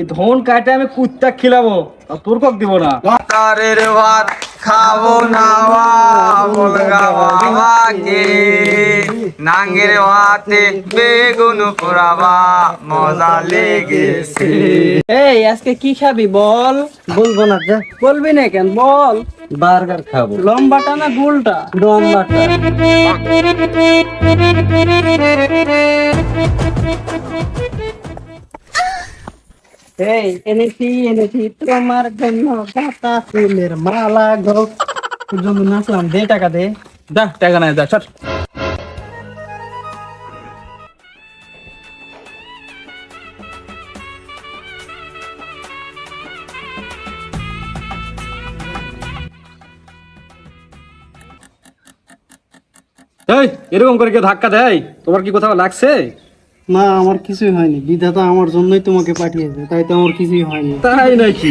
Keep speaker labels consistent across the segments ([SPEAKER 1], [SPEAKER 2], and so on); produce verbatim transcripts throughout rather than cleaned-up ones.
[SPEAKER 1] ধন কাটে আমি কুত্তা খিলাবো, তোর কক দিব না।
[SPEAKER 2] তারের ভাত খাবো না বলগা বাবাকে, নাঙ্গের ভাতে বেগুন পোড়াবা মজা লেগেছে।
[SPEAKER 3] এই আজকে কি খাবি বল?
[SPEAKER 4] বলবো না যা।
[SPEAKER 3] বলবি না কেন বল?
[SPEAKER 4] বার্গার খাবো।
[SPEAKER 3] লম্বাটা না গোলটা?
[SPEAKER 4] লম্বাটা।
[SPEAKER 3] এই এনেছি এনেছি তোমার জন্য গাঁদা ফুলের মালা গো। তোর জন্য নাচলাম, দে টাকা দে।
[SPEAKER 1] দা টাকা নাই, দা চট। এই এরকম করে কে ধাক্কা দেয়? তোমার কি কোথাও লাগছে?
[SPEAKER 3] না, আমার কিছুই হয়নি, বিধাতা আমার জন্যই তোমাকে পাঠিয়েছে, তাই তো আমার কিছুই হয়নি।
[SPEAKER 1] তাই নাকি?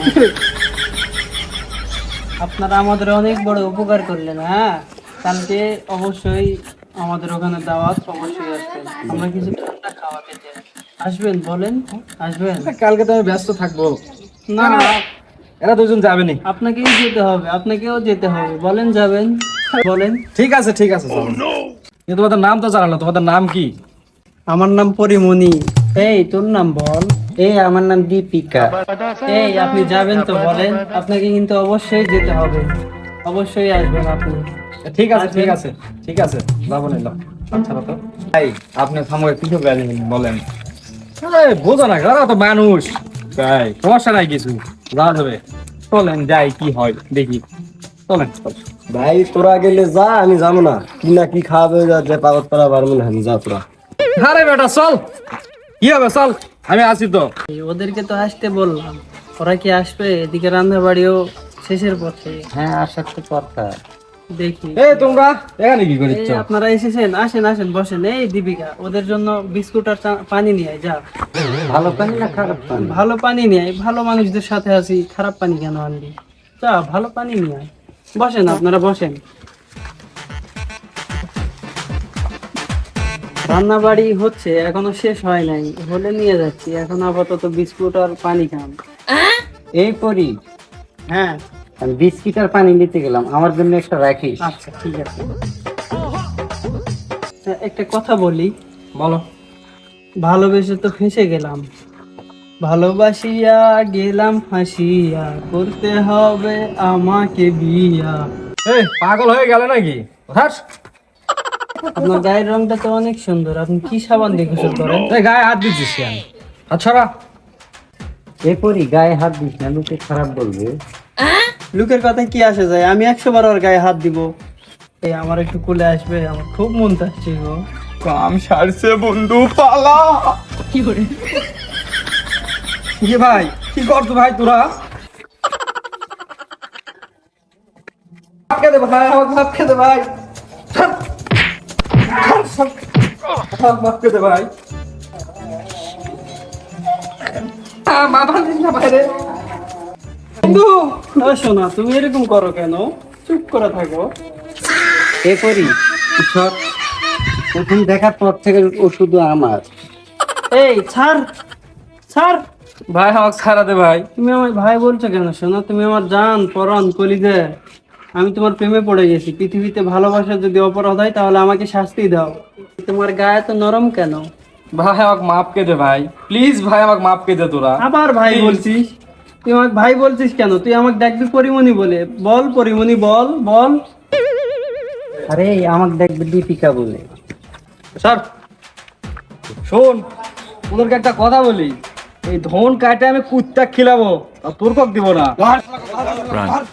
[SPEAKER 3] আপনারা আমাদের অনেক বড় উপকার করলেন। হ্যাঁ, কালকে অবশ্যই আমাদের ওখানে দাওয়াত, অবশ্যই আসবেন। আমরা কিছু ঠান্ডা খাওয়াতে চাই, আসবেন? বলেন আসবেন?
[SPEAKER 1] কালকে তো আমি ব্যস্ত থাকবো।
[SPEAKER 3] না,
[SPEAKER 1] এরা দুজন যাবে নি।
[SPEAKER 3] আপনাকেই যেতে হবে, আপনাকেও যেতে হবে। বলেন যাবেন? বলেন।
[SPEAKER 1] ঠিক আছে ঠিক আছে চলো। কিন্তু তোমাদের নাম তো জানালো, তোমাদের নাম কি?
[SPEAKER 3] আমার নাম পরিমণি। এই তোর নাম বল।
[SPEAKER 4] এই আমার নাম দীপিকা।
[SPEAKER 3] এই আপনি যাবেন তো বলেন? আপনাকে কিন্তু অবশ্যই যেতে হবে, অবশ্যই আসবেন আপনি।
[SPEAKER 1] ঠিক আছে ঠিক আছে ঠিক আছে যাবো নিলাম। আচ্ছা তো
[SPEAKER 2] ভাই আপনি আমাকে কিছু বলেন।
[SPEAKER 1] আরে বোঝো না, ওরা তো মানুষ। তাই সমস্যা নাই কিছু, যাওয়া যাবে।
[SPEAKER 2] চলেন যাই, কি হয় দেখি। চলেন।
[SPEAKER 4] ভাই তোরা গেলে যা, আমি যাবো না। কি না কি খাওয়াবে যে পাগত করা পারবো না, আমি যা তোরা।
[SPEAKER 1] আরে বেটা চল, কি হবে চল, আমি আছি তো।
[SPEAKER 3] এই ওদেরকে তো আসতে বললাম, ওরা কি আসবে? এদিকে রান্না বাড়িও শেষের পথে।
[SPEAKER 4] হ্যাঁ আসার তো কথা।
[SPEAKER 3] দেখি।
[SPEAKER 1] এই তোমরা এখানে কি
[SPEAKER 3] এই
[SPEAKER 1] করিচ্ছ?
[SPEAKER 3] আপনারা এসেছেন, আসেন আসেন বসেন। এই দীপিকা, ওদের জন্য বিস্কুট আর চা- পানি নিয়ে আয়, যা।
[SPEAKER 4] ভালো পানি না খারাপ পানি?
[SPEAKER 3] ভালো পানি নিয়ে আয়, ভালো মানুষদের সাথে আছি, খারাপ পানি কেন আনবি? যা, ভালো পানি নিয়ে আয়। বসেন, আপনারা বসেন। রান্না বাড়ি হচ্ছে, এখনো শেষ হয় নাই, হলে নিয়ে যাচ্ছি। এখন আপাতত বিস্কুট আর পানি খান।
[SPEAKER 4] এই করি,
[SPEAKER 3] হ্যাঁ
[SPEAKER 4] আমি বিস্কিট আর পানি নিতে গেলাম, আমার জন্য একটা রাখিস।
[SPEAKER 3] আচ্ছা ঠিক আছে। তা একটা কথা বলি।
[SPEAKER 1] বলো।
[SPEAKER 3] ভালোবেসে তো ফেঁসে গেলাম, ভালোবাসিয়া গেলাম ফাঁসিয়া, করতে হবে আমাকে বিয়া।
[SPEAKER 1] এই পাগল হয়ে গেল নাকি? হাস।
[SPEAKER 3] আপনার গায়ের রংটা তো অনেক সুন্দর, আপনি কি সাবান দিয়ে গোসল করেন?
[SPEAKER 1] এই গায়ে হাত দিচ্ছিস কেন? আচ্ছা
[SPEAKER 4] এই করি, গায়ে হাত দিস না, লোকে খারাপ বলবে।
[SPEAKER 3] লোকের কথায় কি আসে যায়? আমি একশো বার ওর গায়ে হাত দিব। এই আমার একটু কোলে আসবে, আমার খুব মন চাচ্ছে গো।
[SPEAKER 2] কাম সারছে বন্ধু, পালা।
[SPEAKER 1] কি ভাই, কি করছো ভাই তোরা? ভাত খেতে ভাই, আমাকে ভাত খেতে ভাই। ভাত খেতে ভাই। আহ, মাথা দিস না বাইরে। বন্ধু,
[SPEAKER 3] ও শোনা, তুমি এরকম করো কেন? চুপ করে থাকো।
[SPEAKER 4] এ করি, সব প্রথম দেখার পর থেকে ও শুধু আমার।
[SPEAKER 3] এই ছাড় ছাড়।
[SPEAKER 1] ভাই আমাকে ছাড়া দে ভাই।
[SPEAKER 3] তুমি আমায় ভাই বলছো কেন? শোনো, তুমি আমার জান, পরাণ, কলিজা। আমি তোমার প্রেমে পড়ে গেছি। পৃথিবীতে ভালোবাসা যদি অপরাধ হয় তাহলে আমাকে শাস্তি দাও। তোমার গায়ে তো নরম কেন?
[SPEAKER 1] ভাই আমাকে মাফ কে দে ভাই, প্লিজ ভাই আমাকে মাফ কে দে তোরা।
[SPEAKER 3] আবার ভাই বলছিস? তুই আমাকে ভাই বলছিস কেন? তুই আমাকে ডাকবি পরিমণি বলে। বল পরিমণি, বল বল।
[SPEAKER 4] আরে আমাকে দেখবে দীপিকা বলে।
[SPEAKER 1] স্যার শোন, ওদেরকে একটা কথা বলি, এই ধন কাটে আমি কুত্তা খিলাবো, আর তোর কক দিব না।